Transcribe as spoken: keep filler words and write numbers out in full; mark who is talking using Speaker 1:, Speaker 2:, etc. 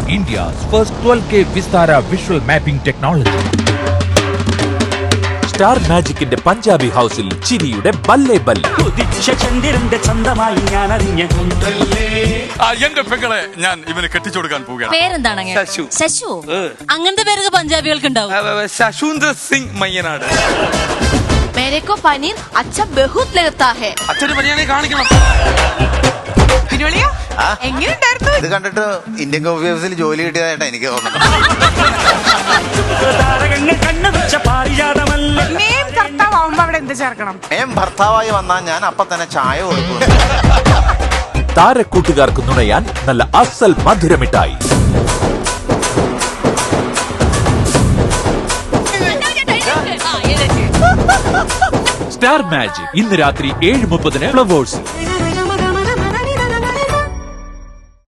Speaker 1: India's first twelve K Vistara visual mapping technology. Star മാജിക്കിന്റെ പഞ്ചാബി ഹൗസിൽ ചിരിയുടെ ബല്ലേ ബല്ലേ.
Speaker 2: എന്റെ പെങ്ങളെ ഞാൻ ഇവന് കെട്ടിച്ചു കൊടുക്കാൻ പോവുകയാണ്.
Speaker 3: പേരെന്താണ്?
Speaker 4: ശശു.
Speaker 3: ശശു. അങ്ങനത്തെ പേരൊക്കെ പഞ്ചാബികൾക്ക് ഉണ്ടാവും.
Speaker 4: ശശൂന്ദ്ര സിംഗ് മയ്യനാട്.
Speaker 5: मेरे को पनीर अच्छा बहुत लगता है.
Speaker 4: അച്ഛന് പനിയാണെ കാണിക്കണം.
Speaker 5: എങ്ങനെയുണ്ടായിരുന്നു?
Speaker 6: ഇത് കണ്ടിട്ട് ഇന്ത്യൻ കോഫി ഹൗസിൽ ജോലി കിട്ടിയതായിട്ടാ എനിക്ക് തോന്നുന്നത്. മേം ഭർത്താവായി വന്നാൽ ഞാൻ അപ്പൊ തന്നെ ചായ കൊടുക്കും.
Speaker 1: താരക്കൂട്ടുകാർക്ക് നുണയാൻ നല്ല അസൽ മധുരമിട്ടായി. സ്റ്റാർ മാജിക് ഇന്ന് രാത്രി ഏഴ് മുപ്പതിന് ഫ്ലവേഴ്സിൽ.